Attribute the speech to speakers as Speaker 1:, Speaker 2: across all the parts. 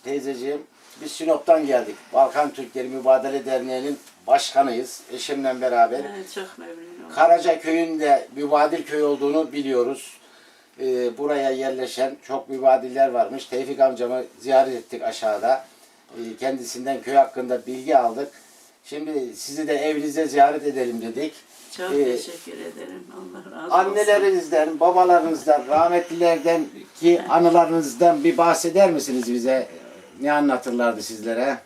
Speaker 1: teyzeciğim. Biz Sinop'tan geldik. Balkan Türkleri Mübadele Derneği'nin başkanıyız. Eşimle beraber.
Speaker 2: Evet, çok memnunum.
Speaker 1: Karacaköy'ün de mübadil köy olduğunu biliyoruz. Buraya yerleşen çok mübadiller varmış. Tevfik amcamı ziyaret ettik aşağıda. Kendisinden köy hakkında bilgi aldık. Şimdi sizi de evinizde ziyaret edelim dedik.
Speaker 2: Çok teşekkür ederim. Allah razı olsun.
Speaker 1: Annelerinizden, babalarınızdan, rahmetlilerden ki anılarınızdan bir bahseder misiniz bize? Ne anlatırlardı sizlere?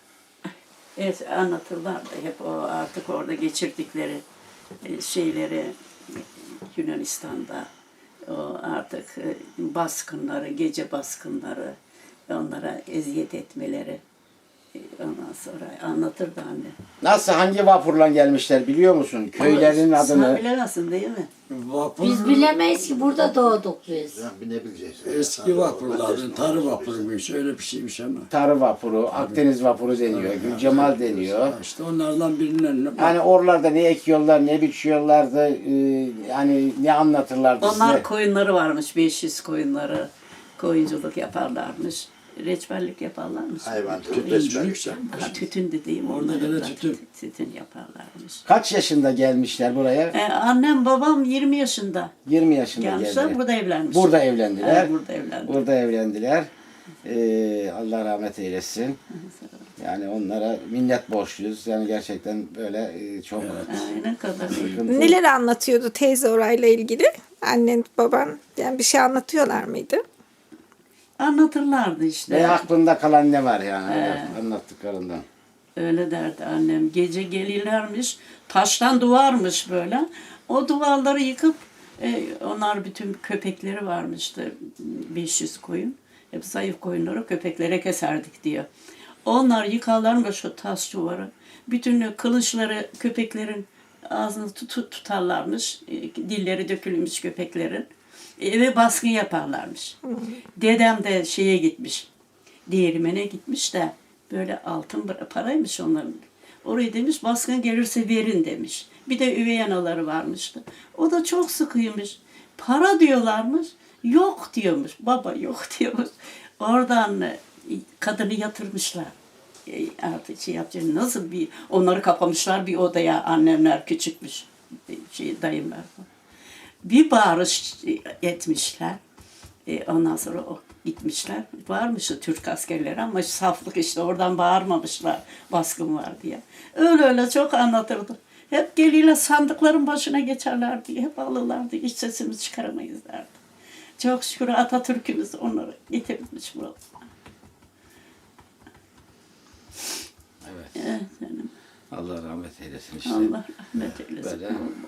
Speaker 2: Evet, anlatırlardı hep o artık orada geçirdikleri şeyleri Yunanistan'da o artık baskınları, gece baskınları, onlara eziyet etmeleri ondan sonra anlatırdı anne.
Speaker 1: Nasıl, hangi vapurla gelmişler biliyor musun? Köylerin adını.
Speaker 2: Sen bilemezsin değil mi?
Speaker 3: Biz bilemeyiz ki burada doğduk biz.
Speaker 4: Ne bileceğiz?
Speaker 5: Eski vapurların, tarı vapuruymuş, öyle bir şeymiş ama.
Speaker 1: Tarı vapuru, Akdeniz vapuru deniyor, Gülcemal deniyor.
Speaker 5: İşte onlardan birinin...
Speaker 1: Yani oralarda ne ekiyorlar, ne biçiyorlardı, yani ne anlatırlardı
Speaker 2: Onlar
Speaker 1: size?
Speaker 2: koyunları varmış, 500 koyunları. Koyunculuk yaparlarmış. Reçberlik yaparlarmış.
Speaker 4: Hayvan
Speaker 5: Tütüncülükse.
Speaker 2: Ha, tütün dediğim
Speaker 5: Orada
Speaker 2: onların
Speaker 5: gene
Speaker 2: da
Speaker 5: tütün.
Speaker 2: tütün yaparlarmış.
Speaker 1: Kaç yaşında gelmişler buraya?
Speaker 2: Annem babam 20 yaşında
Speaker 1: 20 yaşında
Speaker 2: gelmişler,
Speaker 1: geldiler.
Speaker 2: burada evlenmiş.
Speaker 1: Burada evlendiler.
Speaker 2: Burada evlendiler.
Speaker 1: Burada evlendiler. Allah rahmet eylesin. Yani onlara minnet borçluyuz. Yani gerçekten böyle çok
Speaker 2: Ne kadar iyi.
Speaker 1: sıkıntı.
Speaker 6: Neler anlatıyordu teyze orayla ilgili? Annen, baban yani bir şey anlatıyorlar mıydı?
Speaker 2: Anlatırlardı işte.
Speaker 1: Ve aklında kalan ne var yani anlattıklarından?
Speaker 2: Öyle derdi annem. Gece gelirlermiş, taştan duvarmış böyle. O duvarları yıkıp, onlar bütün köpekleri varmıştı, 500 koyun. Hep zayıf koyunları köpeklere keserdik diyor. Onlar yıkarlarmış o taş duvarı. Bütün kılıçları köpeklerin ağzını tutarlarmış. Dilleri dökülmüş köpeklerin. Eve baskın yaparlarmış. Dedem de şeye gitmiş, değirmene gitmiş de böyle altın paraymış onların. Orayı demiş baskın gelirse verin demiş. Bir de üvey anaları varmıştı. O da çok sıkıymış. Para diyorlarmış. Yok diyormuş. Baba yok diyormuş. Oradan kadını yatırmışlar. Artık şey yapacak. Nasıl bir onları kapamışlar bir odaya. Annemler küçükmüş. Dayımlar falan. Bir bağırış etmişler. Ondan sonra o gitmişler. Varmış o Türk askerleri ama saflık işte oradan bağırmamışlar baskın var diye. Öyle çok anlatırdı. Hep geliyle sandıkların başına geçerlerdi. Hep alırlardı. Hiç sesimizi çıkaramayız derdi. Çok şükür Atatürk'ümüz onları getirmiş buralara.
Speaker 1: Evet.
Speaker 2: Evet, canım.
Speaker 1: Allah rahmet eylesin işte.
Speaker 2: Allah rahmet eylesin.
Speaker 1: Böyle